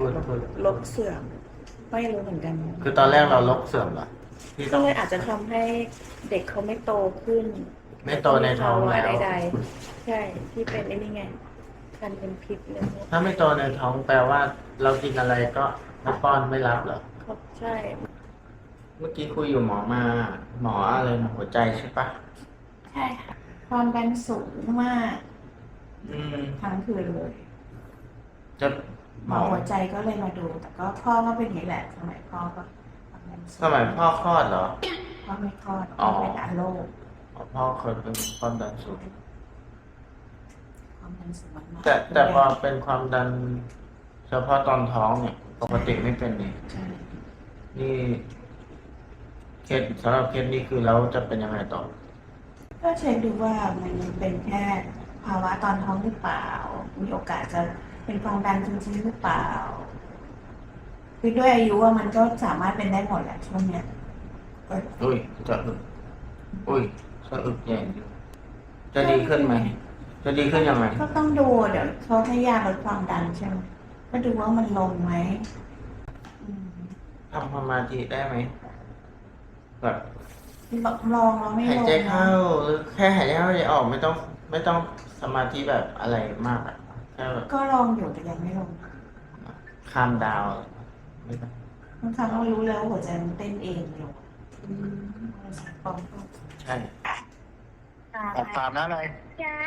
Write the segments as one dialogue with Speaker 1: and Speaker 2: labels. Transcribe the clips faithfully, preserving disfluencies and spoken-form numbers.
Speaker 1: ดพูด
Speaker 2: ลกเสื่อมไม่รู้เหมือนกัน
Speaker 1: คือตอนแรกเราลกเสื่อมเหรอที่ต้
Speaker 2: ก็
Speaker 1: อง
Speaker 2: เลยอาจจะทำให้เด็กเขาไม่โตขึ้น
Speaker 1: ไม่โตในท้องแล้ว
Speaker 2: ใดๆใช่ที่เป็นไอ้นี่ไงการเป็นพิษเลย
Speaker 1: ถ้าไม่โตในท้องแปลว่า เรากินอะไรก็ไม่ป้อนไม่รับเหรอ
Speaker 2: ครับใช่
Speaker 1: เมื่อกี้คุยอยู่หมอมา หมออะไรนะหัวใจใช่ปะ
Speaker 2: ใช่ค่ะความดันสูงมาก
Speaker 1: อืม
Speaker 2: ทั้งคืนเลย
Speaker 1: จะ
Speaker 2: ห
Speaker 1: ห
Speaker 2: ม
Speaker 1: ม
Speaker 2: อ
Speaker 1: อ
Speaker 2: หัวใจก็เลยมาดู แต่ก็พ่อก็เป็นอย่างนี้แหละสมัยพ่อก็ความดันสูง
Speaker 1: สมัยพ่อคลอดเหรอ
Speaker 2: พ่อไม่คลอด
Speaker 1: อ๋
Speaker 2: พ่
Speaker 1: อ
Speaker 2: อเป็นอะโรค
Speaker 1: พ่อเคยเป็นความดันสูง
Speaker 2: ความดันสูงมากๆ
Speaker 1: แต่แต่พอเป็นความดัน เฉพาะตอนท้องเนี่ย ปกติไม่เป็นนี่
Speaker 2: ใช่
Speaker 1: นี่เคสสำหรับเคสนี้คือเราจะเป็นยังไงต่อ
Speaker 2: ก็เช็คดูว่ามันเป็นแค่ภาวะตอนท้องหรือเปล่า มีโอกาสจะเป็นความดันจริงๆหรือเปล่า คือด้วยอายุว่ามันก็สามารถเป็นได้หมดแหละช่วงเนี้ยเอ้ย
Speaker 1: อุ้ยจะอึกอุ้ยจะอึกใหญ่จะดีขึ้นไหม จะดีขึ้นยังไง
Speaker 2: ก็ต้องดูเดี๋ยวเขาให้ยาลดความดันใช่ไหมก็ดูว่ามันลงไหมอืม
Speaker 1: ทำสมาธิได้ไหมแบบ
Speaker 2: ลองแล้วไม่
Speaker 1: หาย
Speaker 2: ลง
Speaker 1: ใจเข้าหรือแค่หายใจเข้าหายใจออกไม่ต้อง ไม่ต้องสมาธิแบบอะไรมากอะแค่แบบ
Speaker 2: ก็ลองอยู่แต่ยังไม่ลง
Speaker 1: คามดาวไม่ต้อง
Speaker 2: บางครั้งเรารู้แล้วหัวใจมันเต้นเองอยู่อืมเราใส่ปอมเข้า
Speaker 1: ใช่
Speaker 3: ออกสามนะเลย
Speaker 4: สาม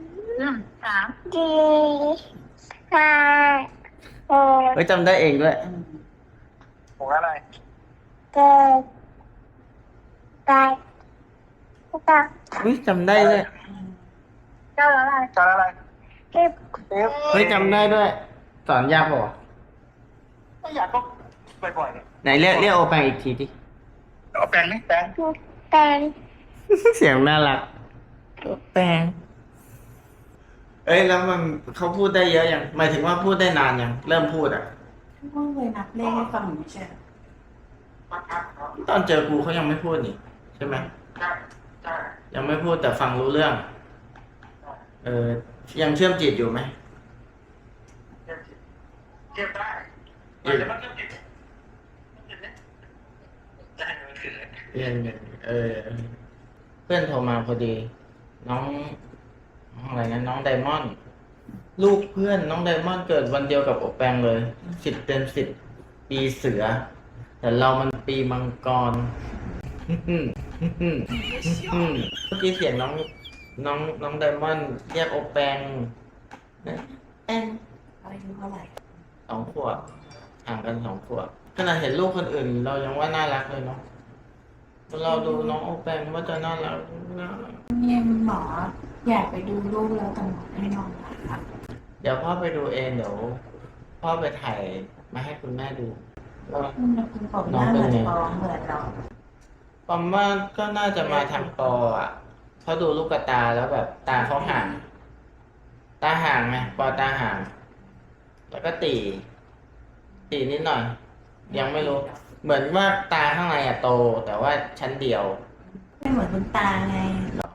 Speaker 2: สาม
Speaker 4: สี่ห้าหก
Speaker 1: เฮ้ยจำได้เองด้วย
Speaker 2: อืม
Speaker 3: หกอะไร
Speaker 4: เจ็ดแปดเก้า
Speaker 1: เฮ้ยจำได้ด้วย
Speaker 4: เก้าแล้วอะไร
Speaker 3: จานอะไร
Speaker 4: สิบ
Speaker 3: สิบ
Speaker 1: เฮ้ยจำได้ด้วย สอนยากป่ะวะ
Speaker 3: ไม่อยากก็บ่อยๆเนี่ย
Speaker 1: ไหนเรียกเรียกโอแปงอีกทีดิ
Speaker 3: เอาแปรงนี่แปรง
Speaker 4: แปด
Speaker 1: เสียงน่ารักโอแปงเอ้ยแล้วมันเขาพูดได้เยอะยังหมายถึงว่าพูดได้นานยังเริ่มพูดอ่ะ
Speaker 2: พ่อเคยนับเลขให้ฟังอยู่ไม่ใช่เหรอ
Speaker 1: ตอนเจอกูเขายังไม่พูดนี่ใช่ไหม
Speaker 3: ใช่ใช่
Speaker 1: ยังไม่พูดแต่ฟังรู้เรื่อง เออยังเชื่อมจิตอยู่ไหม
Speaker 3: เทียบเทียบได้มันจะมันก็ติดมันติดเนี่ยได้มันถือ
Speaker 1: เรียนเออ เพื่อนโทรมาพอดี น้องน้องอะไรนะน้องไดมอนด์ลูกเพื่อนน้องไดมอนด์เกิดวันเดียวกับโอแปงเลยสิบเต็มสิบปีเสือ แต่เรามันปีมังกร เมื่อกี้เสียงน้องน้องน้องไดมอนด์เรียกโอแปงนะแอง
Speaker 2: อายุเท่าไหร่
Speaker 1: สองขวบห่างกันสองขวบขนาดเห็นลูกคนอื่น เรายังว่าน่ารักเลยเนาะเราดูน้องโอแปงว่าจะน่ารักน่ารัก
Speaker 2: เนี่ยหมออยากไปดูลูกแล้วแต่หมอให้นอนพัก
Speaker 1: เดี๋ยวพ่อไปดูเองเดี๋ยวพ่อไปถ่ายมาให้คุณแม่ดูว่า
Speaker 2: คุณคุณผมหน้าเหมือนปอเหมือนเรา
Speaker 1: ปอมว่าก็น่าจะมาทางปออ่ะเพราะดูลูกตาแล้วแบบตาเขาห่าง ตาห่างไงปอตาห่าง แล้วก็ตี ตีนิดหน่อย ยังไม่รู้ เหมือนว่าตาข้างในอะโต แต่ว่าชั้นเดียว
Speaker 2: ไม่เหมือนคุณตาไง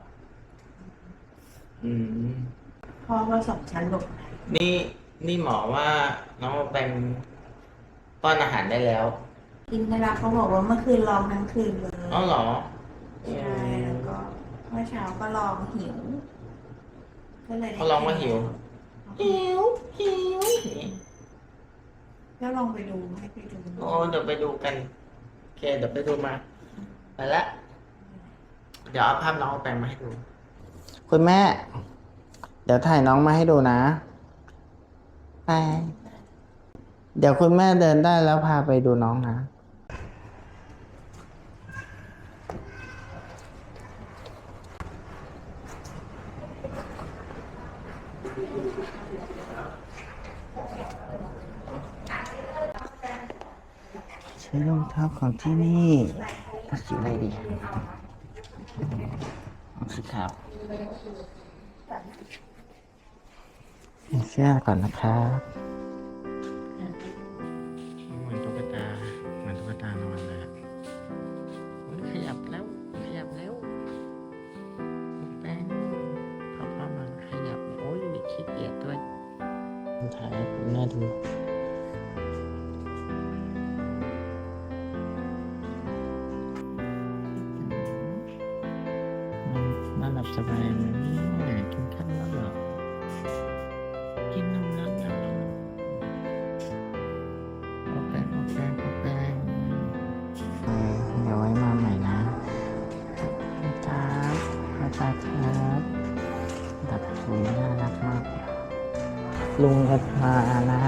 Speaker 1: อืม
Speaker 2: พ่อว่าสองชั้นหลบใน
Speaker 1: นี่นี่หมอว่าน้องเป็นป้อนอาหารได้แล้ว
Speaker 2: กินได้แล้วเขาบอกว่าเมื่อคืนลองทั้งคืนเลย
Speaker 1: อ๋อเหรอ
Speaker 2: ใช่แล้วก็เมื่อเช้าก็ลองหิวก็เลยได้
Speaker 1: เขาลองว่าหิว หิว หิว
Speaker 2: ก็ลองไปดูให้ไปดู
Speaker 1: โอ้เดี๋ยวไปดูกันโอเคเดี๋ยวไปดูมาไปละเดี๋ยวเอาภาพน้องแปลงมาให้ดู คุณแม่ เดี๋ยวถ่ายน้องมาให้ดูนะไปเดี๋ยวคุณแม่เดินได้แล้วพาไปดูน้องนะใช้รองเท้าของที่นี่เอาสีอะไรดีเอาสีขาวเสื้อก่อนนะครับเหมือนตุ๊กตาเหมือนตุ๊กตานอนเลยขยับแล้วขยับแล้วแป้งพ่อพ่อมันขยับโอ้ยขี้เกียจด้วยถ่ายให้คุณแม่ดูลับสบายไหมเนี่ยกินข้าวแล้วเหรอกินนมแล้วเหรอโอเคโอเคโอเคเออเดี๋ยวไว้มาใหม่นะครับอาจารย์ครับดับสูน่ารักมากลุงก็มานะ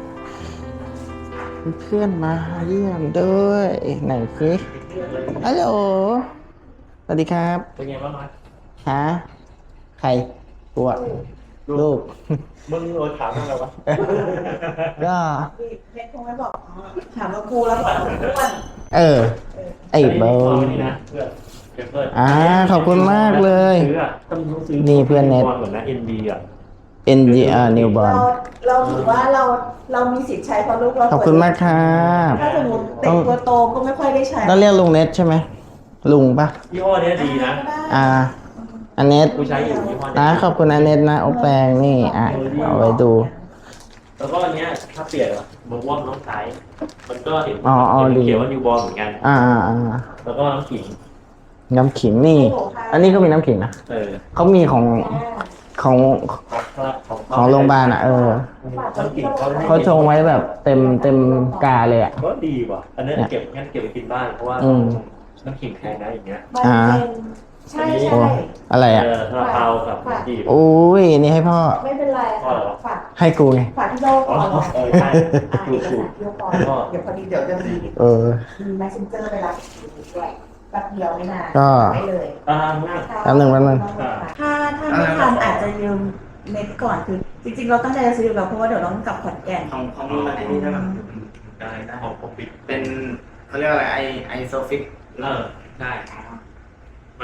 Speaker 1: เพื่อนมาเยี่ยมด้วยไหนสิฮัลโหลสวัสดีครับ
Speaker 3: เป็นไงบ้างครับ
Speaker 1: ฮะใครตัวลูก
Speaker 3: มึงโดนถามอะไรวะ
Speaker 1: ก็
Speaker 2: เน็ตคงไม่บอกถามว่ากูแล้วบอกอ้วน
Speaker 1: เออ ไอ้เบิร์
Speaker 3: นี่นะเพื่อนเพื่อน
Speaker 1: อ่าขอบคุณมากเลย
Speaker 3: ซื้ออ่ะต้องซื้อ
Speaker 1: นี่เพื่อนเน็ต
Speaker 3: เหมือนนะ เอ็น ดี อ่ะ
Speaker 1: เอ็น จี อาร์ Newborn
Speaker 2: เราเราถือว่าเราเรามีสิทธิ์ใช้เพราะลูกเรา
Speaker 1: ขอบคุณมากครับ
Speaker 2: ถ้าสมมติเด็กตัวโตก็ไม่ค่อยได้ใช้
Speaker 1: ต้องเรียกลุงเน็ตใช่ไหมลุงปะ
Speaker 3: ยี่ห้อเนี้ยดีนะ
Speaker 1: อ่าอันเน็ต
Speaker 3: กูใช้อยู่ยี่ห้อ
Speaker 1: นะ
Speaker 3: เนี้ย
Speaker 1: ขอบคุณอันเน็ตนะโอแปลงนี่อ่ะเอาไว้ดู
Speaker 3: แล้วก็อันเนี้ยถ้าเปลี่ยนอะมึงว่ามันต้องใช้มันก็เห็น
Speaker 1: อ๋ออ๋อ
Speaker 3: เห็น
Speaker 1: ดี
Speaker 3: เขียนว่านิวบอลเหมือนกัน
Speaker 1: อ่าอ่าอ่า
Speaker 3: แล้วก็น้ำขิง
Speaker 1: น้ำขิงนี่ อันนี้ก็มีน้ำขิงนะ
Speaker 3: เออ
Speaker 1: เขามีของของ
Speaker 3: ของ
Speaker 1: ของโรงพยาบาลอ่ะเออ
Speaker 3: น้ำขิงเขาให้
Speaker 1: เขาชงไว้แบบเต็มเต็มกาเลยอ่ะ
Speaker 3: ก็ดีว่ะอันนี้เก็บงั้นเก็บไปกินบ้านเพราะว่า
Speaker 1: อืม
Speaker 3: น้ำขิงแพงนะอย่างเงี้ย
Speaker 2: มันเป็นใช่
Speaker 1: โอ้
Speaker 2: ใช่
Speaker 1: อะไรอ่ะ
Speaker 3: เออซาลาเปากับน้ำจีบ
Speaker 1: โอ้ยนี่ให้พ่อ
Speaker 2: ไม่เป็นไรค่ะฝาก
Speaker 1: ให้กูไง
Speaker 2: ฝากที่โลก
Speaker 3: อ๋
Speaker 2: ก่
Speaker 3: อ
Speaker 2: อน
Speaker 3: เออใช่
Speaker 2: อ่า
Speaker 3: ถู
Speaker 2: เอก ก
Speaker 3: ถูก
Speaker 2: สารที่โลกก่อนเดี๋ยวพอดีเดี๋ยวจะมี
Speaker 1: เออ
Speaker 2: มี messenger ไปรับด้วยแป๊บเดียวไม่นาน
Speaker 1: ก็
Speaker 2: ได้เลย
Speaker 3: อ่า
Speaker 1: แป๊บหนึ่งแป๊บหนึ่ง
Speaker 2: ถ้าถ้าไม่ทันอาจจะยืมเน็ตก่อนคือ จริงๆ เราตั้งใจจะซื้ออยู่แล้วเพราะว่าเดี๋ยวต้องกลับขอนแก่น
Speaker 1: ของของมึงอันนี้ใช่ไหม
Speaker 3: ได้ได้ของผมปิด
Speaker 1: เป็นเขาเรียกอะไรไอไอโซฟิก
Speaker 3: เออได้มัน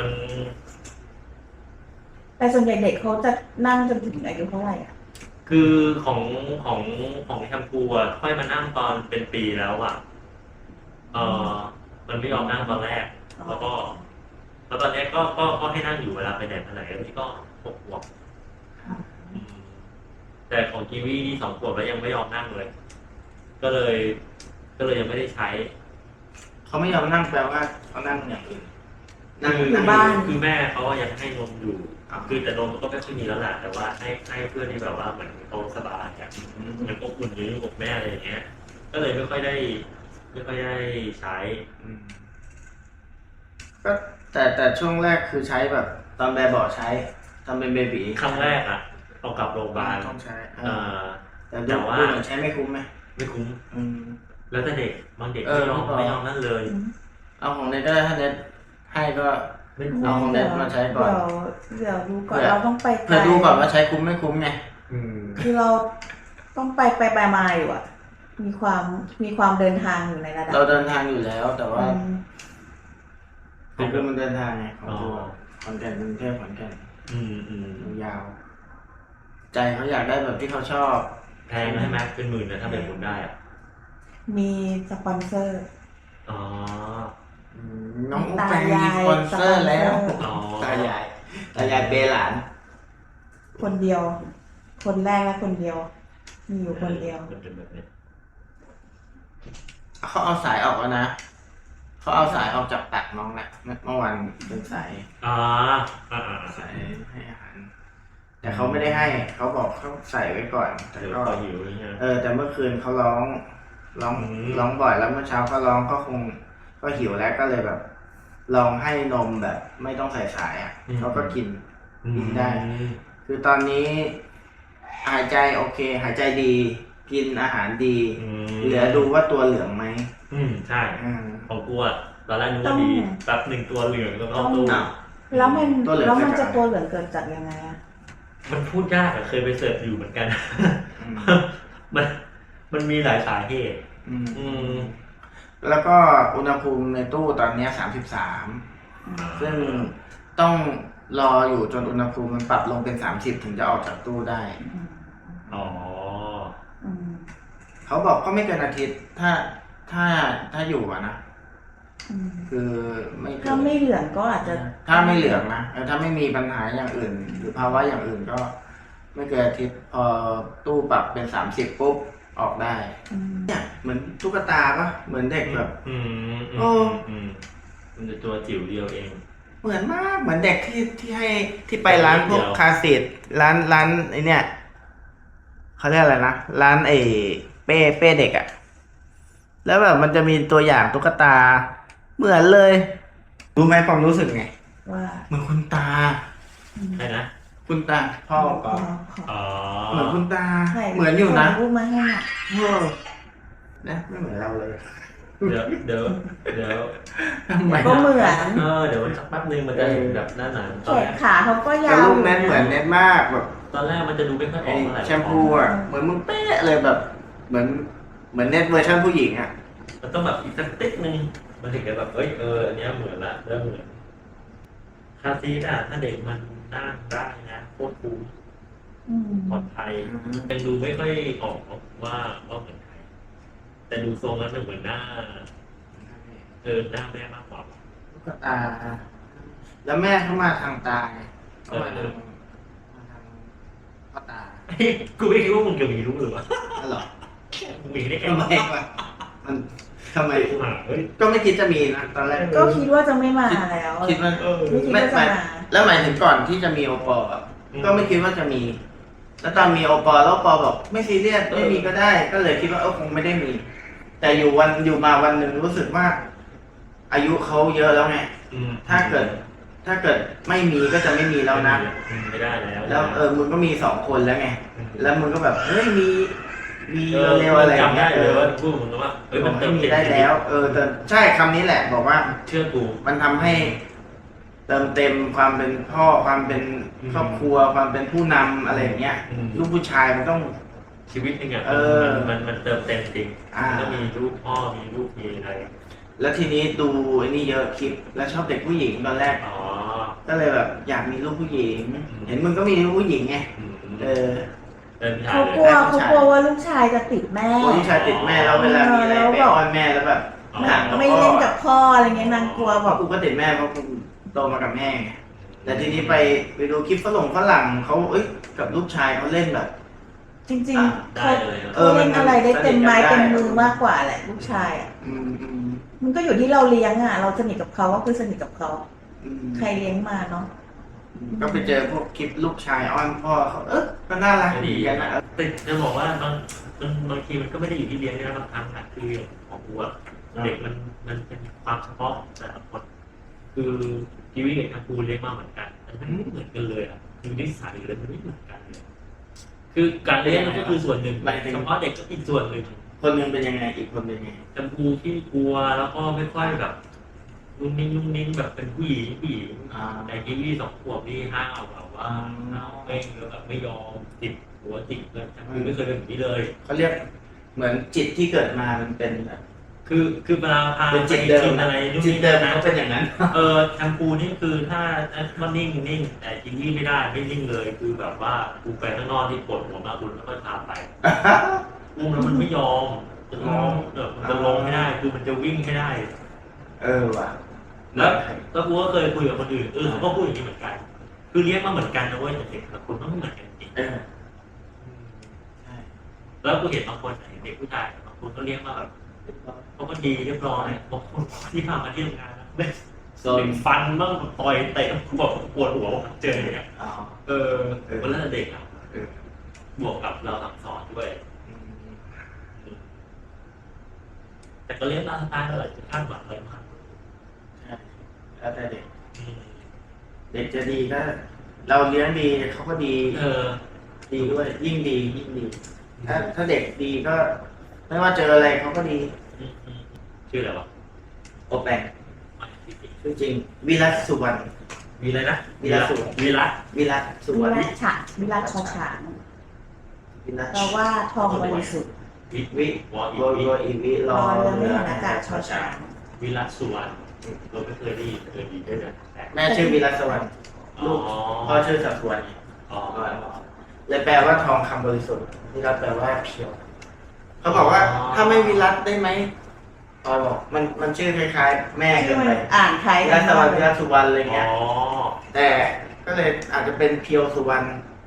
Speaker 2: แต่ส่วนใหญ่เด็กเขาจะนั่งจนถึงอายุเท่าไหร่อ่ะ
Speaker 3: คือของของของแชมพูอ่ะค่อยมานั่งตอนเป็นปีแล้วอ่ะเออมันไม่ยอมนั่งตอนแรก แล้วก็แล้วตอนเนี้ยก็ก็ก็ให้นั่งอยู่เวลาไปไหนมาไหนแล้วนี่ก็หกขวบอืมแต่ของกีวีนี่สองขวบแล้วยังไม่ยอมนั่งเลย ก็เลย ก็เลยยังไม่ได้ใช้
Speaker 1: เขาไม่ยอมนั่งแปลว่าเขานั่งอย่างอื่นนั่ง
Speaker 2: อยู่บ้าน
Speaker 3: คือแม่เขาอะยังให้นมอยู่คือแต่นมมันก็ไม่ค่อยมีแล้วแหละแต่ว่าให้ให้เพื่อนที่แบบว่าเหมือนเขาสบายอ่ะเหมือนอบอุ่นอยู่อยู่กับแม่อะไรอย่างเงี้ย ก็เลยไม่ค่อยได้ ไม่ค่อยได้ใช้
Speaker 1: อืมก็แต่แต่ช่วงแรกคือใช้แบบ ตอนแบบเบาะใช้ทำเป็นเบบี
Speaker 3: ครั้งแรกอ่ะเอากลับโรงพยาบาล
Speaker 1: ต้องใช้เอ
Speaker 3: เอ่
Speaker 1: อ
Speaker 3: อ
Speaker 1: แต่
Speaker 3: แต่
Speaker 1: ดู
Speaker 3: ว่า
Speaker 1: ดูเหมือนใช้ไม่คุ้มไหม
Speaker 3: ไม่คุ้ม
Speaker 1: อืม
Speaker 3: แล้วแต่เด็กบางเด็ก
Speaker 1: เอ
Speaker 3: ไม่
Speaker 1: อย
Speaker 3: อม
Speaker 1: ไม่พอ
Speaker 3: ไม่ยอมนั่นเลย
Speaker 1: เอาของเน็ตก็ได้ถ้าเน็ตให้ก็
Speaker 3: ไม่
Speaker 1: เอาของเน็ตมาใช้ก่อน
Speaker 2: เดี๋ยวเดี๋ยวดูก่อน
Speaker 1: เผื่อ
Speaker 2: เราต้องไปไกล
Speaker 1: เพื่อดูก่อนว่าใช้คุ้มไม่คุ้มไง
Speaker 3: อืม
Speaker 2: คือเราต้องไปไปไปมาอยู่อ่ะ มีความมีความเดินทางอยู่ในระดับ
Speaker 1: เราเดินทางอยู่แล้ว แต่ว่า
Speaker 2: อืม
Speaker 1: ของคือมันเดินทางไงของ
Speaker 3: อ๋อ
Speaker 1: คือแบบขอนแก่นกรุงเทพขอนแก่น
Speaker 3: อืมอืม
Speaker 1: ยาวใจเขาอยากได้แบบที่เขาชอบ
Speaker 3: แพงใช่ไหมเป็นหมื่นนะถ้าเป็นคุณได้อ่ะ
Speaker 2: มีสปอนเซอร์
Speaker 3: อ๋อ
Speaker 1: อืมน้องอุ๊บ
Speaker 2: ตา
Speaker 1: แปงมี
Speaker 2: ยาย
Speaker 1: สปอนเซอร์แล้ว
Speaker 2: สปอนเซอร์
Speaker 3: อ๋อ
Speaker 1: ตายายตายายเปย์หลาน
Speaker 2: คนเดียว คนแรกและคนเดียว มีอยู่คนเดียว
Speaker 3: มันเป็นแบบนี้
Speaker 1: เขาเอาสายออกแล้วนะเขาเอาสายออกจากตักน้องแหละเมื่อวานเป็นสาย
Speaker 3: อ่าอ่าอ่า
Speaker 1: สายให้อาหารแต่เขาไม่ได้ให้เขาบอกเขาใส่ไว้ก่อน แต่
Speaker 3: เดี๋ยว
Speaker 1: ก็
Speaker 3: พอหิวอย่างเงี้ย
Speaker 1: เออ แต่เมื่อคืนเขาร้องร้อง
Speaker 3: อืม
Speaker 1: ร้องบ่อยแล้วเมื่อเช้าเขาร้องก็คงก็หิวแล้วก็เลยแบบ ลองให้นมแบบ ไม่ต้องใส่สายอ่ะเขาก็กิน กินได้ คือตอนนี้หายใจโอเค หายใจดี กินอาหารดี
Speaker 3: อืม
Speaker 1: เหลือดูว่าตัวเหลืองไหม
Speaker 3: อืมใช่
Speaker 1: อืม
Speaker 3: ของกูอ่ะตอนแรกนึก
Speaker 2: ต้
Speaker 3: ว่า
Speaker 2: อง
Speaker 3: ดีแป๊บหนึ่งตัวเหลืองแล้วก็ตู้
Speaker 1: อ้าว
Speaker 2: แล้วมัน
Speaker 1: ตัวเหลือง
Speaker 2: แล้วมัน
Speaker 1: เกิด
Speaker 2: จะ
Speaker 1: จาก
Speaker 2: ตัวเหลืองเกิดจากยังไงอะ
Speaker 3: มันพูดยากอะเคยไปเสิร์ชอยู่เหมือนกัน
Speaker 1: อืม
Speaker 3: มันมันมีหลายสาเหตุ
Speaker 1: อืม
Speaker 3: อืม
Speaker 1: แล้วก็อุณหภูมิในตู้ตอนเนี้สามสิบสาม ซึ่งต้องรออยู่จนอุณหภูมิมันปรับลงเป็นสามสิบถึงจะออกจากตู้ได้
Speaker 2: อืม
Speaker 3: อ๋อ
Speaker 2: อืม
Speaker 1: เขาบอกก็ไม่เกินอาทิตย์ ถ้าถ้าถ้าอยู่อะนะ
Speaker 2: อืม
Speaker 1: คือไม่เกิน
Speaker 2: ถ้าไม่เหลืองก็อาจจะ
Speaker 1: ถ้าไม่เหลืองนะเออถ้าไม่มีปัญหาอย่างอื่น หรือภาวะอย่างอื่นก็ ไม่เกินอาทิตย์พอตู้ปรับเป็นสามสิบปุ๊บออกได้
Speaker 2: อืม
Speaker 1: เนี่ยเหมือนตุ๊กตาปะเหมือนเด็กแบบ
Speaker 3: อืมอื
Speaker 1: โอ้
Speaker 3: มอืมมันจะตัวจิ๋วเดียวเอง
Speaker 1: โอ้เหมือนมากเหมือนเด็กที่ที่ให้ที่ไปร้านพวกคาสิตร้านร้านไอเนี่ยเขาเรียกอะไรนะร้านไอเป้เป้เด็กอะแล้วแบบมันจะมีตัวอย่างตุ๊กตา เหมือนเลย รู้ไหมความรู้สึกไง
Speaker 2: ว่า
Speaker 1: เหมือนคุณตา
Speaker 3: ใช่นะ
Speaker 1: คุณตาพ่อก็
Speaker 3: อ๋อ
Speaker 1: เหมือนคุณตา
Speaker 2: ไห
Speaker 1: เหมือนอยู่นะ
Speaker 2: รูปมาให้หน่อย
Speaker 1: เออนะไม่เหมือนเราเลย
Speaker 3: เดี๋ยวเดี๋ยวเดี๋ยว
Speaker 1: ทำไม
Speaker 2: ก็เหมือน
Speaker 3: เออเดี๋ยวสักแป๊บนึงมันจะเห็นแบบหน้าหนังต
Speaker 2: แข
Speaker 3: อนแร
Speaker 2: น
Speaker 3: ก
Speaker 2: ขาเขาก็ยา
Speaker 1: แต่
Speaker 2: ว
Speaker 1: รูปเน็ตเหมือนเน็ตมากแบบ
Speaker 3: ตอนแรกมันจะดูไม่ค่อยอ
Speaker 1: ไอ้
Speaker 3: อกเท่าไหร่
Speaker 1: แชมพูอ่ะเหมือนมึงเป๊ะเลยแบบ เหมือนเหมือนเน็ตเวอร์ชันผู้หญิงอ่ะ
Speaker 3: มันต้องแบบอีกสักติ๊กนึงมันถึงจะแบบเอ้ยเอออันเนี้ยเหมือนละเริ่มเหมือนคาซีดอะถ้าเด็กมันนั่งได้นะโคตรคุ้ม
Speaker 2: อืม
Speaker 3: ปลอดภัยยังดูไม่ค่อยออกว่าว่าเหมือนใครแต่ดูทรงแล้วมันเหมือนหน้าเออหน้าแม่มากกว่า
Speaker 1: ลูกตา แล้วแม่เข้ามาทางตาไงเข้ามาทางมาทางพ่อตา
Speaker 3: กูไม่คิดว่ามึงจะมีรู้หรือวะ
Speaker 1: นั่นหรอ
Speaker 3: มึงมีได้ไง
Speaker 1: ทำไม
Speaker 3: วะ
Speaker 1: วะมันทำไม
Speaker 3: กูหาเฮ้ย
Speaker 1: ก็ไม่คิดจะมีนะตอนแรก
Speaker 2: ก็คิดว่าจะไม่มาแล้ว
Speaker 1: คิดว่า
Speaker 3: เออ
Speaker 2: ไม่คิด
Speaker 1: ไม่
Speaker 2: ว่าจะ
Speaker 1: ไม่
Speaker 2: มา
Speaker 1: แล้วหมายถึงก่อนที่จะมีโอปอล์อะ
Speaker 3: อืม
Speaker 1: ก็ไม่คิดว่าจะมี แล้วตอนมีโอปอล์แล้วโอปอล์บอกไม่ซีเรียส
Speaker 3: เออ
Speaker 1: ไม่มีก็ได้ ก็เลยคิดว่าเออคงไม่ได้มี แต่อยู่วันอยู่มาวันหนึ่งรู้สึกว่า อายุเขาเยอะแล้วไง
Speaker 3: อืม
Speaker 1: ถ้าเกิด ถ้าเกิดไม่มีก็จะไม่มีแล้วนะ
Speaker 3: อืมไม่ได้แล้ว
Speaker 1: แล้วเออมึงก็มีสองคนแล้วไง
Speaker 3: อืม
Speaker 1: แล้วมึงก็แบบเฮ้ยมีมี
Speaker 3: เออ
Speaker 1: เร็วๆอะไรอย่าง
Speaker 3: จำได้
Speaker 1: เงี้ยเอ
Speaker 3: เลย
Speaker 1: อ
Speaker 3: ว่าพูดมึงว่าเฮ้ย
Speaker 1: บ
Speaker 3: มั
Speaker 1: อน ก
Speaker 3: เติ
Speaker 1: ให้
Speaker 3: ม
Speaker 1: มี
Speaker 3: เต็ม
Speaker 1: ได้แล้ว เออแต่ใช่คำนี้แหละ บอกว่า
Speaker 3: เชื่อกู
Speaker 1: มันทำให้เติมเต็มความเป็นพ่อความเป็น
Speaker 3: อืม
Speaker 1: ครอบครัวความเป็นผู้นำอะไรอย่างเงี้ย
Speaker 3: อืม
Speaker 1: ลูกผู้ชายมันต้อง
Speaker 3: ชีวิตหนึงอ่ะ
Speaker 1: เออ
Speaker 3: มันมันมันเติมเต็มจริง
Speaker 1: อ่ามั
Speaker 3: มันต้องมีลูกพ่อมีลูกมีอะไร
Speaker 1: แล้วทีนี้ดูไอ้นี่เยอะคลิป แล้วชอบเด็กผู้หญิงตอนแรก
Speaker 3: อ๋อ
Speaker 1: ก็เลยแบบอยากมีลูกผู้หญิง
Speaker 3: อืม
Speaker 1: เห็นมึงก็มีลูกผู้หญิงไง
Speaker 3: อืม
Speaker 1: เออ
Speaker 3: เดินทาง
Speaker 2: เขา
Speaker 3: เล
Speaker 2: ก
Speaker 3: ย
Speaker 2: ลัวเขากลัวว่าลูกชายจะติดแม่
Speaker 1: คนที่ชายติดแม่แล้วเวลามีอะไรไปอ้อนแม่แล้วแบบ
Speaker 3: อ๋อ
Speaker 1: ห่างกับ
Speaker 2: ไม่
Speaker 1: พ่อ
Speaker 2: เล่นกับพ่ออะไรเงี้ยนางกลัว
Speaker 1: เพ
Speaker 2: แบ
Speaker 1: ราะ
Speaker 2: บ
Speaker 1: กูก็ติดแม่เพราะกูโตมากับแม่ไงแต่ทีนี้ไปไปดูคลิปฝรั่งฝรั่งเขาเอ้ยกับลูกชายเขาเล่นแบบ
Speaker 2: จริง
Speaker 1: อ่ะ
Speaker 2: ๆ
Speaker 3: ได้
Speaker 2: เขา
Speaker 3: เลยอะ
Speaker 1: เออ
Speaker 2: เขาเล่นอะไรได้เต็มไม้
Speaker 1: สนิทกันได้
Speaker 2: เต็มมือมากกว่าแหละลูกชายอ่ะ
Speaker 1: อืมอืม
Speaker 2: มันก็อยู่ที่เราเลี้ยงอ่ะ เราสนิทกับเขาก็คือสนิทกับเขา
Speaker 1: อืม
Speaker 2: ใครเลี้ยงมาเนาะ
Speaker 1: ก็ไปเจอพวกคลิปลูกชายอ้อนพ่อเขาเออก็น่ารักดีกันนะ
Speaker 3: แต่จะบอกว่าบางมันบางทีมันก็ไม่ได้อยู่ที่เลี้ยงนะบางครั้งอะคือของกูอะเด็กมันมันเป็นความเฉพาะของแต่ละคนคือกีวีกับทังกูเลี้ยงมาเหมือนกันแต่มันไม่เหมือนกันเลยอะคือนิสัยเลยมันไม่เหมือนกันเลยคือการเลี้ยงมันก็คือส่วนหนึ่งเฉพาะเด็กก็อีกส่วนหนึ่ง
Speaker 1: คนหนึงเป็นยังไงอีกคนเป็นยังไง
Speaker 3: ทังกูที่กลัวแล้วก็ไม่ค่อยแบบนุ่มนิ่งนุ่มนิ่งแบบเป็นผู้หญิงผู้หญิง
Speaker 1: อ่า
Speaker 3: แต่กีวีสองขวบนี่ห้าวแบบว่าห้าวเม่งแล้วแบบไม่ยอมติดหัวติดเลยทังกูไม่เคยเป็นแบบนี้เลย
Speaker 1: เขาเรียกเหมือนจิตที่เกิดมามันเป็นแบบ
Speaker 3: คือคือเวลาพา
Speaker 1: เป็น
Speaker 3: ไป
Speaker 1: จิตเดิม
Speaker 3: กินอะไรนู่น
Speaker 1: จิต
Speaker 3: นี่
Speaker 1: เดิม
Speaker 3: นะ
Speaker 1: เขาเป็นอย่างนั้น
Speaker 3: เออแชมพูนี่คือถ้ามันนิ่งนิ่งแต่กินนี่ไม่ได้ไม่นิ่งเลย คือแบบว่ากูไปข้างนอกที่ปวดหัวมากคุณแล้วก็พาไปอุ้มแล้วมันไม่ยอมจะร้องเออมันจะลงไม่ได้ คือมันจะวิ่งไม่ได้
Speaker 1: เออว่ะ
Speaker 3: แล้วแล้วกูก็เคยคุยกับคนอื่นเออเขาก็พูดอย่างนี้เหมือนกัน คือเลี้ยงมาเหมือนกันนะเว้ยแต่เด็กแต่คนต้องไม่เหมือนกันจริง
Speaker 1: เออใช่
Speaker 3: แล้วกูเห็นบางคนเห็นเด็กผู้ชายบางคนก็เลี้ยงมาแบบเขาก็ดีเรียบร้อยบางคนที่พามาที่ทำงานนะ
Speaker 1: โซ
Speaker 3: โด
Speaker 1: น
Speaker 3: นฟันบ้างต่อยเตะบอกปวดหัวเจออย่างเงี้ย
Speaker 1: อ๋อ
Speaker 3: เออวันนั้นเด็กอ่ะ
Speaker 1: เออบ
Speaker 3: วกกับเราสั่งสอนด้วย
Speaker 1: อืม
Speaker 3: แต่ก็เลี้ยงตามสไตล์อะไรจะคาดหวังอะไรมาก
Speaker 1: ใช่แล้วแต่เด็ก
Speaker 3: อืม
Speaker 1: เด็กจะดีก็เราเลี้ยงดีเขาก็ดี
Speaker 3: เออ
Speaker 1: ดีด้วย ยิ่งดียิ่งดี ถ้าถ้าเด็กดีก็ ไม่ว่าเจออะไรเขาก็ดี
Speaker 3: อืมอืมชื่ออะไรวะ
Speaker 1: โอแปง
Speaker 3: ไม่จริง
Speaker 1: ชื่อจริงวิรัตสุวรรณ
Speaker 3: มีอะไรนะ
Speaker 1: วีระสุวรรณ
Speaker 3: วีระ
Speaker 1: วิรัตสุ
Speaker 2: วิ
Speaker 1: วรรณ
Speaker 2: รัชฉะวิรัชชอช้าง
Speaker 1: วิรัต
Speaker 2: เราว่าทองบริสุทธิ์
Speaker 3: วิ
Speaker 1: วิ
Speaker 3: วออี
Speaker 1: โรย
Speaker 3: วิ
Speaker 1: โรยอีวิร
Speaker 2: ร
Speaker 1: อ
Speaker 2: อเรือ
Speaker 1: เรื
Speaker 2: ไม่
Speaker 1: อ
Speaker 2: เห็นอากาศชอช้าง
Speaker 3: วิรัตสุวรรณเราไม่เคยได้ยินเคยดีด้วยนะแต่
Speaker 1: แม่ชื่อวิรัตสวรรณ
Speaker 3: อ๋อ
Speaker 1: ลูกพ่อชื่อสัสวรรณ
Speaker 3: อ๋อ
Speaker 1: เลยแปลว่าทองคำบริสุทธิ์วิรัตแปลว่าเพียวเขาบอกว่าถ้าไม่วิรัตได้ไหมพอยบอกมันมันชื่อคล้ายๆ แม่เกิ
Speaker 2: ชื่อน มัน
Speaker 1: ไป
Speaker 2: อ่านคล้าย
Speaker 1: วิ
Speaker 2: กั
Speaker 1: รั
Speaker 2: น
Speaker 1: ตสวรรณวิรัตสุวรรณอะไร
Speaker 3: อ๋
Speaker 1: เงี้ย
Speaker 3: อ
Speaker 1: แต่ก็เลยอาจจะเป็นเพียวสุวรรณ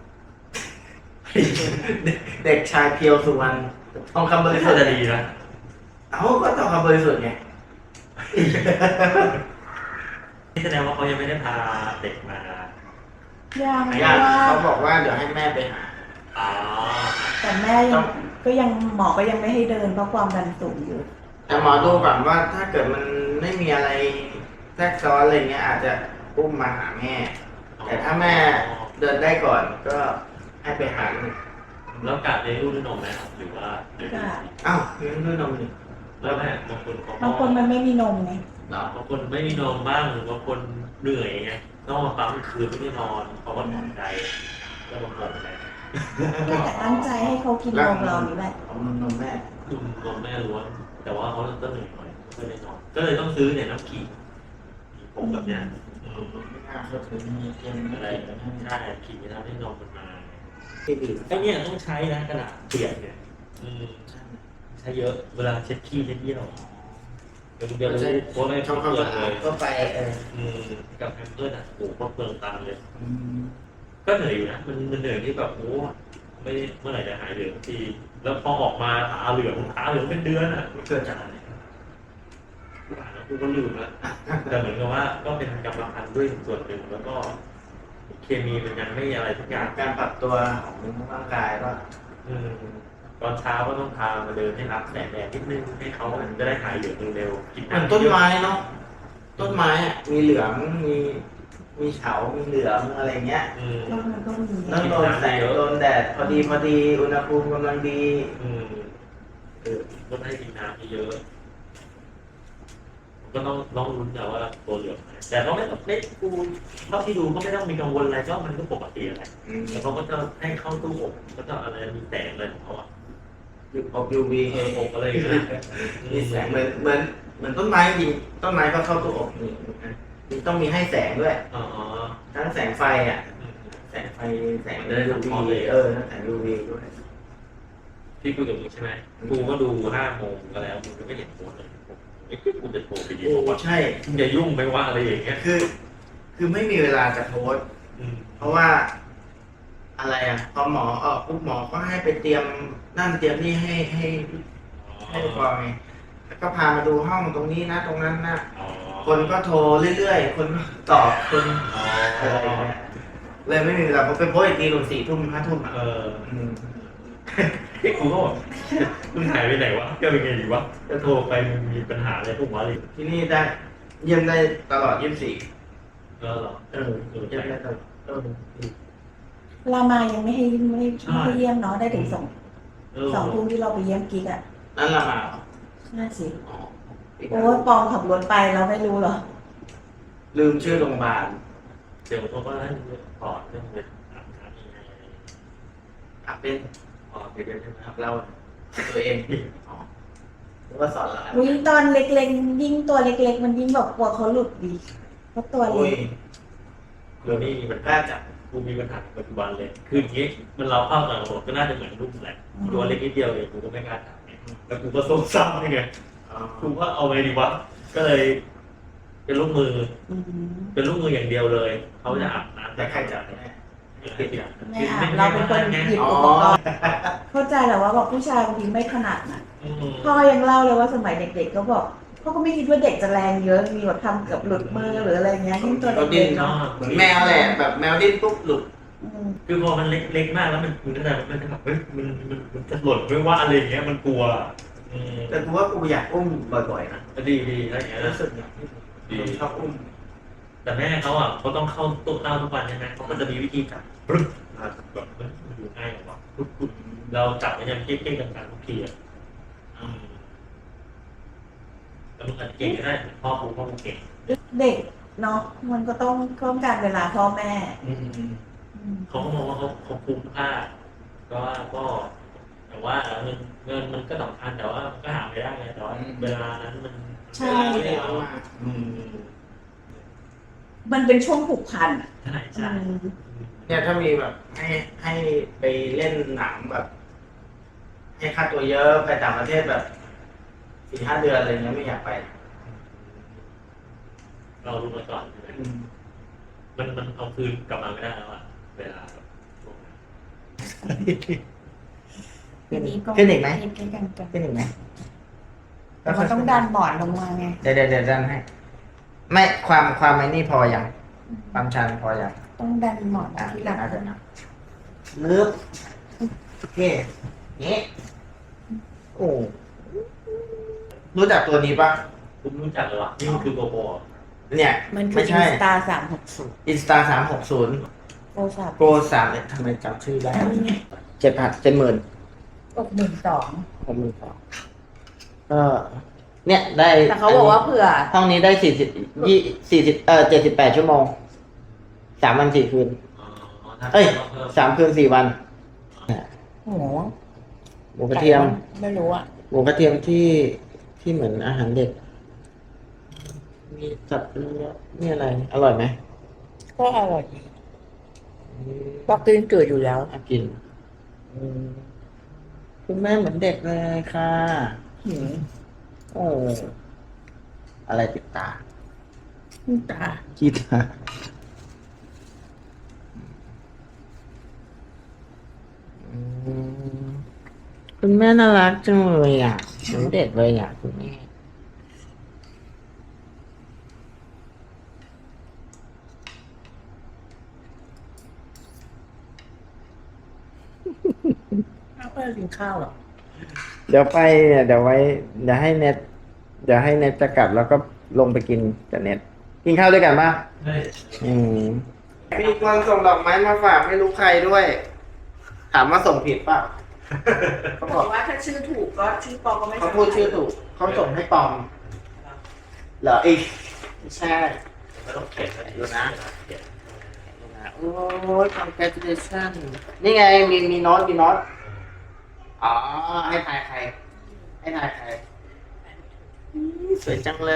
Speaker 1: เด็กชายเพียวสุวรรณทองคำบริสุทธิ์
Speaker 3: จะดีนะ
Speaker 1: เอ้าก็ทองคำบริสุทธิ์ไง
Speaker 3: นี่แสดงว่าเขายังไม่ได้พาเด็กมา
Speaker 2: ยังเพ
Speaker 1: ญา
Speaker 2: ราะ
Speaker 1: ติ
Speaker 2: ว่า
Speaker 1: เขาบอกว่าเดี๋ยวให้แม่ไปหา
Speaker 3: อ๋อ
Speaker 2: แต่แม่ยังก็ยังหมอก็ยังไม่ให้เดินเพราะความดันสูงอยู่
Speaker 1: แต่หมอดูก่อนว่าถ้าเกิดมันไม่มีอะไรแทรกซ้อนอะไรเงี้ยอาจจะอุ้มมาหาแม่ แต่ถ้าแม่เดินได้ก่อนก็ให้ไปหาลูก
Speaker 3: แล้วการเลี้ยงลูกด้วยนมไหมครับหรือว่าหรือ
Speaker 2: ก็
Speaker 1: อ้าวเลี้ยงด้วยนมนี่
Speaker 3: แล้วแม่บางคนเขา
Speaker 2: บางคนมันไม่มีนมไง
Speaker 1: เหรอบ
Speaker 3: างคนไม่มีนมบ้างหรือบางคนเหนื่อยไงต้องมาปั๊มคืนไม่ได้นอนเพราะว่าหมอนใจแล้วบางคนอะไร
Speaker 2: ก็แต่ตั้งใจให้เขากินนมเรานี่แหละ
Speaker 1: เอานมนมแม่
Speaker 3: นมนมแม่ล้วนแต่ว่าเขาก็เหนื่อยหน่อยไม่ได้นอนก็เลยต้องซื้อเนี่ยน้ำขิงผมแบบเนี้ยอืม
Speaker 1: ไม่น่าเขาถึงมีเกม
Speaker 3: อะ
Speaker 1: อะไร ไร
Speaker 3: ใช่ขิงจะทำให้นมมันมา
Speaker 1: ที่ดี
Speaker 3: ไอ้เนี่ยต้องใช้นะกระดาษเปียกเนี่ยอืมใช้เยอะเวลาเช็ดขี้เช็ดเยี่ยวเดี๋ยวเดี๋ยวรู้โค้ดไม่
Speaker 1: ช่อง
Speaker 3: เป
Speaker 1: ความ
Speaker 3: ลือ
Speaker 1: สะ
Speaker 3: ง
Speaker 1: อา
Speaker 3: เล
Speaker 1: ด
Speaker 3: ย
Speaker 1: ก็ไปเออ
Speaker 3: อืมกับแพมเพิร์สอ่ะโอ้โหก็เปลืองตังค์เลย
Speaker 1: อืม
Speaker 3: ก็เหนื่อยอยู่นะมันมันเหนื่อยที่แบบโอ้ไม่เมื่อไหร่จะหายเหลืองสักทีแล้วพอออกมาตาเหลืองตาเหลืองเป็นเดือนอ่ะมันเกิดจากอะไรอ่านแล้วกูก็ลืมแล้วแต่เหมือนกับว่าก็เป็นกรรมพันธุ์ด้วยส่วนหนึ่งแล้วก็ เคมีมันยังไม่อะไรทุกอย่าง
Speaker 1: การปรับตัวของร่างกายก็
Speaker 3: อืมตอนเช้าก็ต้องพามาเดินให้รับแสงแดดนิดนึงให้เขาจะได้หายเหลืองเร็วๆกิน
Speaker 1: เหมือนต้นไม้เนาะต้นไม้อะมีเหลืองมีมีเฉา มีเหลืองอะไรเงี้ย
Speaker 3: อืม
Speaker 2: แล้วมันก็มี
Speaker 1: แล้วโดนแสงโดนแดดพอดีพอดีอุณหภูมิกำลังดี
Speaker 3: อืม
Speaker 1: เออ
Speaker 3: ก็ให้กินน้ำเยอะก็ต้องต้องลุ้นแต่ว่าตัวเหลืองไหมแต่ก็ไม่ต้องเล็กกูเท่าที่ดูก็ไม่ต้องมีกังวลอะไรก็มันก็ปกติอะไร
Speaker 1: อืม
Speaker 3: แต่เขาก็จะให้เข้าตู้อบก็จะอะไรมีแสงอะไรของเขาอ่ะ
Speaker 1: ยูออกยูวี
Speaker 3: เอออบอะไรอย่างเงี้ย
Speaker 1: มีแสงเหมือนเหมือนเหมือนต้นไม้จริงต้นไม้ก็เข้าตู้อบนี่มีต้องมีให้แสงด้วย
Speaker 3: อ๋อ
Speaker 1: ทั้งแสงไฟอ่ะ
Speaker 3: อืม
Speaker 1: แสงไฟแสง
Speaker 3: ได้
Speaker 1: ยู
Speaker 3: ทั้งพร้อม
Speaker 1: วี
Speaker 3: เลย
Speaker 1: เออทั้งแสงยูวีด้วย
Speaker 3: พี่คุยกับมึงใช่ไหมกูก็ดูห้าโมงก็แล้วมึงก็ไม่เห็นโพสเลยไอ้ยกูจะโทรไปดี
Speaker 1: โอ้
Speaker 3: บอกว่า
Speaker 1: ใช่
Speaker 3: มึงอย่ายุ่งไปว่าอะไรอย่างเงี้ย
Speaker 1: คือ คือไม่มีเวลาจะโพสต์
Speaker 3: อืม
Speaker 1: เพราะว่า อะไรอ่ะพอหมอออกปุ๊บหมอก็ให้ไปเตรียมนั่นเตรียมนี่ให้ให้ให้ฟอยแล้วก็พามาดูห้องตรงนี้นะ ตรงนั้นนะ
Speaker 3: อ๋อ
Speaker 1: คนก็โทรเรื่อยๆ คนก็ตอบคน
Speaker 3: อ๋อ
Speaker 1: อะไรอย่างเงี้ยเลยไม่มีเวลาผมไปโพสต์อีกทีตรงสี่ทุ่มห้าทุ่มอ่ะ
Speaker 3: เออ
Speaker 1: อืม
Speaker 3: ไอ้กูก็บอกมึงหายไปไหนวะก็เป็นไงดีวะจะโทรไปมึงมีปัญหาอะไรพวกวะเลย
Speaker 1: ที่นี่ได้เยี่ยมได้ตลอดยี่สิบสี่
Speaker 3: เออเหรอ
Speaker 1: เออเยี่ยมได้ตลอดเออ
Speaker 2: รามายังไม่ให้ไม่ให้ไม่ให้เยี่ยมเนาะได้ถึงสอง
Speaker 3: เออ
Speaker 2: สองทุ่มที่เราไปเยี่ยมกิ๊กอ่ะ
Speaker 1: นั่นละมาเหรอ
Speaker 2: น่าสิ
Speaker 1: อ๋อ
Speaker 2: โอ้ยปองขับรถไปเราไม่รู้เหรอ
Speaker 1: ลืมชื่อโรงพยาบาล
Speaker 3: เดี๋ยวเขาก็ให้ถอดเรื่องเป็นอาบน้ำยังไง
Speaker 1: อับเป็น
Speaker 3: ถอดไปเรื่อยๆใช่ไหมค
Speaker 1: อั
Speaker 3: รับบ
Speaker 1: เราตัวเองอ๋อหรือว่าสอนเรา
Speaker 2: วิ่งตอนเล็กๆยิ่งตัวเล็กๆ มันยิ่งแบบกลัวเขาหลุดดีเพราะตัว
Speaker 1: โอ้
Speaker 2: เล็
Speaker 1: ย
Speaker 2: ก
Speaker 3: คือนี่มัน
Speaker 1: กล้าจับ
Speaker 3: กูมีปัญหาปัจจุบันเลย คืออย่างงี้มันเราเข้าต่างระบบก็น่าจะเหมือนลูกแหละตัวเล็กนิดเดียวเองกูก็ไม่กล้าจับไงแล้วกูก็ส้มซ้ำยังไง
Speaker 1: อ๋อ
Speaker 3: กูว่าเอาไงดีวะก็เลย เป็นลูกมือ
Speaker 2: อืม
Speaker 3: เป็นลูกมืออย่างเดียวเลยเขาจะอาบน้ำ
Speaker 1: แต่ใครจับเนี่ย
Speaker 3: ไม่จับ
Speaker 2: ไม่อาบเราเป็นคนหยิบ
Speaker 1: อ๋อ
Speaker 2: อุปกรณ์เข้าใจแหละว่าบอกผู้ชายบางทีไม่ถนัดนะ
Speaker 3: อืม
Speaker 2: พ่อยังเล่าเลยว่าสมัยเด็กๆก็บอกพ่อก็ไม่คิดว่าเด็กจะแรงเยอะมีแบบทำเกือบหลุดมือหรืออะไรเงี้ยยิ่งตัว
Speaker 1: เขาดิ้
Speaker 2: เด็
Speaker 1: น
Speaker 2: กๆ
Speaker 1: เนาะ
Speaker 2: เนาะ
Speaker 1: เหมือนแมวแหละแบบแมวดิ้นปุ๊บหลุด
Speaker 2: อืม
Speaker 3: คือพอมันเล็กเล็กมากแล้วมันมันจะมันจะแบบเฮ้ยมันมันมันจะหล่นไม่ว่าอะไรอย่างเงี้ยมันกลัวอืม
Speaker 1: แต่กูว่ากูอยากอุ้มบ่อยๆนะ
Speaker 3: ก็ดีดีอะไรอย่างเงี้ย
Speaker 1: รู้
Speaker 3: นะ
Speaker 1: สึกอยากคนชอบอุ้ม
Speaker 3: แต่แม่เขาอ่ะเขาต้องเข้าตู้เต้าทุกวันใช่ไหมเขาก็จะมีวิธีจับปรึ๊บอ่ะแบบมันอยู่ง่ายกว่าปุ๊บปุ๊บเราจับมันยังเก๊กๆกันๆทุกทีอ่ะอืมแล้วมันอาจจะเก่งก็ได้เหมือนพ่อครูพ่อครูเก่ง
Speaker 2: เด็กเนาะมันก็ต้องต้องการเวลาพ่อแม่
Speaker 1: อืม
Speaker 2: อืม
Speaker 3: เขาก็มองว่าเขาเขาคุ้มค่าก็ว่าก็แต่ว่าเงินเงินมันก็สำคัญแต่ว่ามันก็หาไม่ได้ไงแต่ว่าเวลานั้นมัน
Speaker 2: ใช่
Speaker 1: ไม่ได้
Speaker 3: ไม่ได้
Speaker 1: เอา
Speaker 3: เอา
Speaker 1: มา
Speaker 3: อืม
Speaker 2: มันเป็นช่วงผูกพันอะ
Speaker 3: ใช่ใช่
Speaker 2: อืม
Speaker 1: เนี่ยถ้ามีแบบให้ให้ไปเล่นหนังแบบ ให้ค่าตัวเยอะไปต่างประเทศแบบสี่ห้าเดือนอะไรเงี้ยไม่อยากไป
Speaker 3: เรารู้มาก่อนใช่ไหม
Speaker 1: อืม
Speaker 3: มันมันเอาคืนกลับมาไม่ได้แล้วอะเวลาแบบช่วงนั้น
Speaker 2: ทีนี้ก็
Speaker 1: ขึ้นอีกไหม
Speaker 2: ใกล้ๆกันกัน
Speaker 1: ขึ้นอีกไหม
Speaker 2: แต่ว่าต้องดันบอร์ดลงมาไง
Speaker 1: เดี๋ยวเดี๋ยวเดี๋ยวดันให้ไม่ความความไอ้นี่พอยังความชันพอยัง
Speaker 2: ต้องดันหมอน
Speaker 1: อ่ะ
Speaker 2: ที่หลัง
Speaker 1: น่าจะนะนึบโอเคนี่โอ้รู้จักตัวนี้ปะ
Speaker 3: คุณรู้จักเหรอวะนี่มันคือโกโบเหรอ
Speaker 1: เนี่ย
Speaker 2: มันคือ
Speaker 1: ไม่
Speaker 2: อิ
Speaker 1: ใช่
Speaker 2: นสตาสามหกศูนย์
Speaker 1: อินสตาสามหกศูนย์
Speaker 2: โทรศัพท์
Speaker 1: โปรสามเนี่ยทำไมจำชื่อได้เจ็ดพันเจ็ดหมื่น
Speaker 2: หกหมื่นสอง
Speaker 1: หกหมื่นสองก็เนี่ยได้
Speaker 2: แต่เขาบอกว่าเผื่อ
Speaker 1: ห้องนี้ได้สี่สิบยี่สี่สิบเออเจ็ดสิบแปดชั่วโมงสามวันสี่คืน
Speaker 3: อ๋อถ้า
Speaker 1: เอ้ย
Speaker 3: ต้องเพิ่ม
Speaker 1: สามคืนสี่วัน
Speaker 2: โอ้โห
Speaker 1: หมูกระเทียม
Speaker 2: ไม่รู้อ่ะ
Speaker 1: หมูกระเทียมที่ที่เหมือนอาหารเด็ก มีสับเนื้อนี่อะไร อร่อยไหม
Speaker 2: ก็อร่อยดีบอกกินจืดอยู่แล้ว
Speaker 1: อากินอืมคุณแม่เหมือนเด็กเลยค่ะ
Speaker 2: หืม
Speaker 1: โอ้อะไรติดตา
Speaker 2: ตา
Speaker 1: ขี้ตาอืมคุณแม่น่ารักจังเลยอ่ะเหมือนเด็กเลยอ่ะคุณแม่
Speaker 2: ข้าวเพื่อกินข้าวหรอ
Speaker 1: เดี๋ยวไปเนี่ยเดี๋ยวไว้เดี๋ยวให้เน็ตเดี๋ยวให้เน็ตจะกลับแล้วก็ลงไปกินกับเน็ตกินข้าวด้วยกันป่ะ
Speaker 3: เฮ้ย
Speaker 1: อืมมีคนส่งดอกไม้มาฝากไม่รู้ใครด้วย ถามว่าส่งผิดป่ะเขา
Speaker 2: บบ อ
Speaker 1: อก
Speaker 2: กว่าถ้าชื่อถูกก็ชื่อปอก็ไม่
Speaker 1: เขาพูดชื่อถูกเขาส่งให้ปลอมเหรออีกไม่ใช่
Speaker 3: ไม่ต้องเขียนนะ
Speaker 1: ดูนะ
Speaker 3: เขียน
Speaker 1: โอ้ย congratulation นี่ไงมีมีโน้ตมีโน้ตอ๋อให้ทายใคร ให้ทายใครอืมสวยจังเลย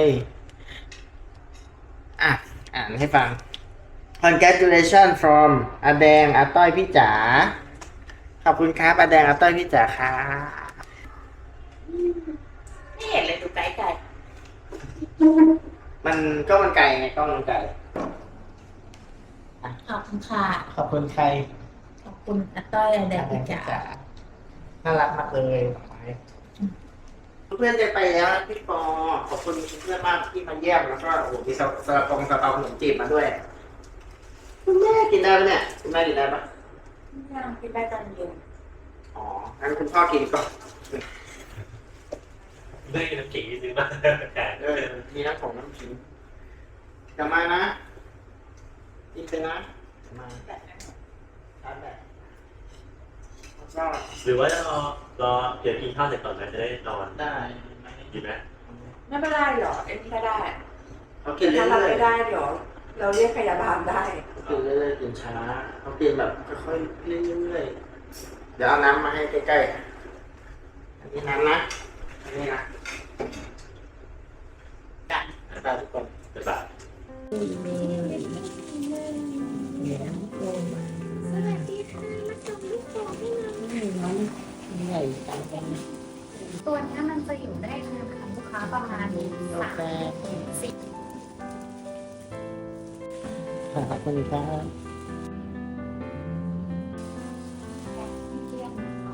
Speaker 1: อ่ะ อ่านให้ฟัง congratulation from อาแดงอาต้อยพี่จ๋า ขอบคุณครับอาแดงอาต้อยพี่จ๋าค่ะ
Speaker 2: ไม่เห็นเลยดูไกลไกล
Speaker 1: มันก็มันไกลไงก็มันไกล
Speaker 2: ขอบคุณค่ะ
Speaker 1: ขอบคุณใคร
Speaker 2: ขอบคุณอาต้อยอาแดงพี่จ๋า
Speaker 1: น่ารักมากเลยดอกไม้เพื่อนจะไปแล้วนะพี่ปอ ขอบคุณเพื่อนมากที่มาเยี่ยมแล้วก็โอ้โหมีสลัดสลัดปงสลัดเปาขนมจีบมาด้วย คุณแม่กินได้ปะเนี่ยคุณแม่กินได้ปะ
Speaker 2: ย่างกินได้ตอนเย็น
Speaker 1: อ๋องั้นคุณพ่อกินก่อน
Speaker 3: เรื่องน้ำขิงที่ซื้อมาแต่
Speaker 1: เออมีน้ำผมน้ำขิงกลับมานะกินไปนะกลับมาทานแบบแล้วก็
Speaker 3: หรือว่าจะรอรอเดี๋ยวกินข้าวเสร็จก่อนไหมจะได้นอน
Speaker 1: ได้
Speaker 3: ดีไหม
Speaker 2: ไม่เป็นไรหรอเอ็นก็ได้
Speaker 1: เขากินเรื่
Speaker 2: ถ้าเรา
Speaker 1: อย
Speaker 2: ไม่ได้เดี๋ยวเราเรียกพยาบาลได้
Speaker 1: ๆเขากินเรื่อยๆกินช้าเขากินแบบค่อยๆเรื่อยๆเดี๋ยวเอาน้ำมาให้ใกล้ๆอันนี้น้ำนะอันนี้นะกันไปทุกคน
Speaker 3: จะแบบ
Speaker 4: สวัสดีค่ะมาส่งลูกโป่งให้หน่อย
Speaker 1: ใหญ่จังเลย
Speaker 4: ตัวเนี้ยมันจะอยู่ได้นานค่ะลูกค้าประมาณสามถึงสี่
Speaker 1: ขอบคุณครับ
Speaker 4: เดือน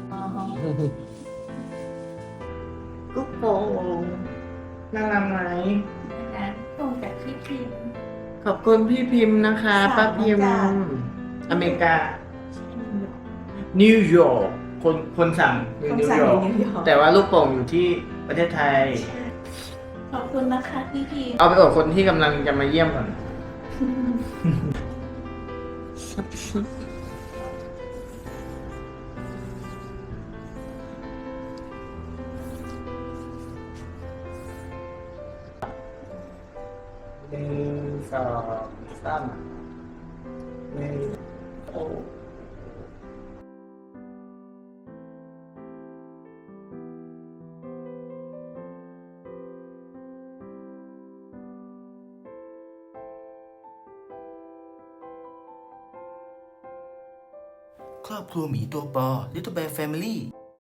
Speaker 1: กุ๊กโป่งน่ารักไหม
Speaker 2: นะตรงจากที่พิมพ์
Speaker 1: ขอบคุณพี่พิมพ์นะคะ
Speaker 2: สั่ง
Speaker 1: ป้าพิมพ์
Speaker 2: มาจาก
Speaker 1: อเมริกา นิวยอร์กคนคนสั่งอยู่
Speaker 2: คน
Speaker 1: นิว
Speaker 2: สั่ง
Speaker 1: ยอ
Speaker 2: อ
Speaker 1: ร์ก
Speaker 2: ยู่นิวยอร์ก
Speaker 1: แต่ว่าลูกโป่งอยู่ที่ประเทศไทย
Speaker 2: ขอบคุณนะคะพี่พิมพ์
Speaker 1: เอาไปอวดคนที่กำลังจะมาเยี่ยมก่อนหนึ่งสองสามหนึ่งโอ้
Speaker 5: ครอบครัวหมีตัวปอ Little Bear Family